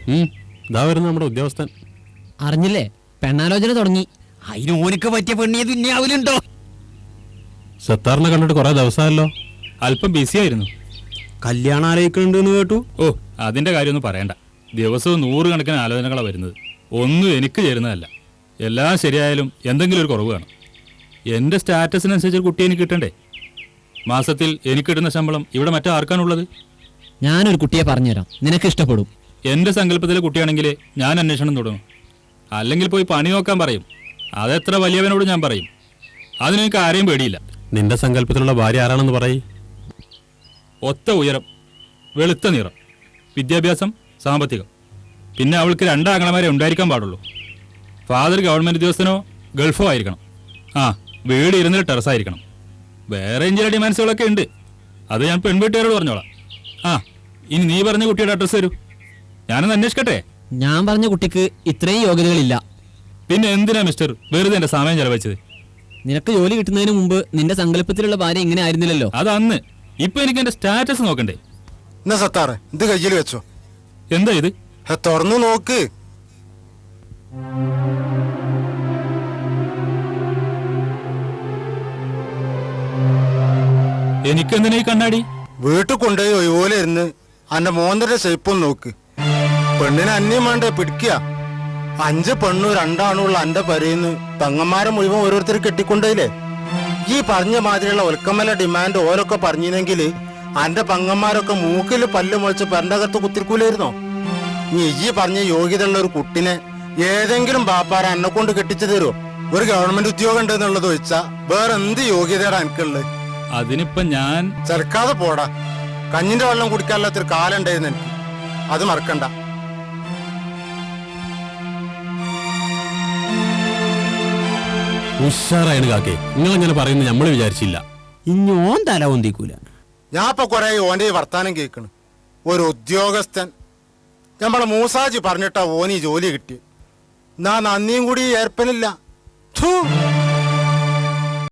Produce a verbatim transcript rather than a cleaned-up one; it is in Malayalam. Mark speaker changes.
Speaker 1: ഇതാ വരുന്ന നമ്മുടെ ഉദ്യോഗസ്ഥൻ.
Speaker 2: അറിഞ്ഞില്ലേ, പെണ്ണാലോചന തുടങ്ങി.
Speaker 3: അതിന് ഓനക്ക് പറ്റിയ പെണ്ണിയെ തുന്നിയാവലുണ്ടോ?
Speaker 1: സത്താറിനെ കണ്ടിട്ട് കുറെ ദിവസമല്ലോ.
Speaker 4: അല്പം ബിസി ആയിരുന്നു.
Speaker 5: കല്യാണം ആലോചിക്കുന്നുണ്ടെന്ന് കേട്ടു.
Speaker 4: ഓ, അതിന്റെ കാര്യമൊന്നും പറയണ്ട. ദിവസവും നൂറുകണക്കിന് ആലോചനകളാണ് വരുന്നത്. ഒന്നും എനിക്ക് ചേരുന്നതല്ല. എല്ലാം ശരിയായാലും എന്തെങ്കിലും ഒരു കുറവ് കാണും. എൻ്റെ സ്റ്റാറ്റസിനനുസരിച്ച് ഒരു കുട്ടി എനിക്ക് കിട്ടണ്ടേ? മാസത്തിൽ എനിക്ക് കിട്ടുന്ന ശമ്പളം ഇവിടെ മറ്റാർക്കാണുള്ളത്?
Speaker 2: ഞാനൊരു കുട്ടിയെ പറഞ്ഞുതരാം, നിനക്ക് ഇഷ്ടപ്പെടും.
Speaker 4: എൻ്റെ സങ്കല്പത്തിലെ കുട്ടിയാണെങ്കിൽ ഞാൻ അന്വേഷണം തുടങ്ങും. അല്ലെങ്കിൽ പോയി പണി നോക്കാൻ പറയും. അതെത്ര വലിയവനോട് ഞാൻ പറയും. അതിനെനിക്ക് ആരെയും പേടിയില്ല.
Speaker 1: നിന്റെ സങ്കല്പത്തിലുള്ള ഭാര്യ ആരാണെന്ന് പറയ്.
Speaker 4: ഒത്ത ഉയരം, വെളുത്ത നിറം, വിദ്യാഭ്യാസം, സാമ്പത്തികം. പിന്നെ അവൾക്ക് രണ്ടാങ്ങളമാരെ ഉണ്ടായിരിക്കാൻ പാടുള്ളൂ. ഫാദർ ഗവൺമെൻറ് ഉദ്യോഗസ്ഥനോ ഗൾഫോ ആയിരിക്കണം. ആ, വീട് ഇരുന്നിട്ട് ടെറസായിരിക്കണം. വേറെ ചില ഡിമാൻഡ്സുകളൊക്കെ ഉണ്ട്. അത് ഞാൻ പെൺവീട്ടുകാരോട് പറഞ്ഞോളാം. ആ, ഇനി നീ പറഞ്ഞ കുട്ടിയുടെ അഡ്രസ്സ് തരൂ, ഞാനൊന്ന് അന്വേഷിക്കട്ടെ.
Speaker 2: ഞാൻ പറഞ്ഞ കുട്ടിക്ക് ഇത്രയും യോഗ്യതകളില്ല.
Speaker 4: പിന്നെ എന്തിനാ മിസ്റ്റർ വെറുതെ എൻ്റെ സമയം ചെലവഴിച്ചത്?
Speaker 2: നിനക്ക് ജോലി കിട്ടുന്നതിന് മുമ്പ് നിന്റെ സങ്കല്പത്തിലുള്ള ഭാര്യ ഇങ്ങനെ ആയിരുന്നില്ലല്ലോ.
Speaker 4: അത് അന്ന്. ഇപ്പൊ എനിക്ക് എന്റെ സ്റ്റാറ്റസ് നോക്കണ്ടേ?
Speaker 6: എന്നാ സത്താറെ, ഇത് കയ്യിൽ വെച്ചോ.
Speaker 4: എന്താ ഇത്?
Speaker 6: തുറന്നു നോക്ക്.
Speaker 4: എനിക്കെന്തിനാ ഈ കണ്ണാടി?
Speaker 6: വീട്ടിൽ കൊണ്ടുപോയി ഒഴിവോലെ ഇരുന്ന് അന്റെ മോന്തന്റെ ഷേപ്പൊന്ന് നോക്ക്. പെണ്ണിനെ അന്യം വേണ്ട പിടിക്കുക. അഞ്ച് പെണ്ണു രണ്ടാണുള്ള അന്റെ പരയിന്ന് തങ്ങന്മാരെ മുഴുവൻ ഓരോരുത്തർ കെട്ടിക്കൊണ്ടേലേ. ഈ പറഞ്ഞ മാതിരിയുള്ള ഒൽക്കമ്മല ഡിമാൻഡ് ഓരൊക്കെ പറഞ്ഞിരുന്നെങ്കിൽ അന്റെ പങ്ങന്മാരൊക്കെ മൂക്കിൽ പല്ല് മുളച്ച് പെരണ്ടകത്ത് കുത്തിരിക്കൂലായിരുന്നോ? നീ ഈ പറഞ്ഞ യോഗ്യതയുള്ള ഒരു കുട്ടിനെ ഏതെങ്കിലും ബാപ്പാര എന്നെ കൊണ്ട് കെട്ടിച്ചു തരുമോ? ഒരു ഗവൺമെന്റ് ഉദ്യോഗം ഉണ്ട് എന്നുള്ളത് വെച്ചാ വേറെ എന്ത് യോഗ്യതയാണ് എനിക്കുള്ളത്?
Speaker 4: അതിനിപ്പൊ ഞാൻ
Speaker 6: ചെറുക്കാതെ പോടാ. കഞ്ഞിന്റെ വെള്ളം കുടിക്കാനുള്ളൊരു കാലം ഉണ്ടായിരുന്നു എനിക്ക്. അത് മറക്കണ്ട.
Speaker 1: ഉഷാറായാണ് കാക്കേ. നിങ്ങളെങ്ങനെ പറയുന്നത് നമ്മൾ വിചാരിച്ചില്ല.
Speaker 5: ഇഞ്ഞോൻ തല ഒന്തിക്കൂല.
Speaker 6: ഞാൻ ഇപ്പൊ കൊറേ ഓന്റെ വർത്താനം കേൾക്കണ്. ഒരു ഉദ്യോഗസ്ഥൻ നമ്മളെ മൂസാജി പറഞ്ഞിട്ടാ ഓന് ഈ ജോലി കിട്ടി. നാ നന്ദിയും കൂടി ഏർപ്പനില്ല.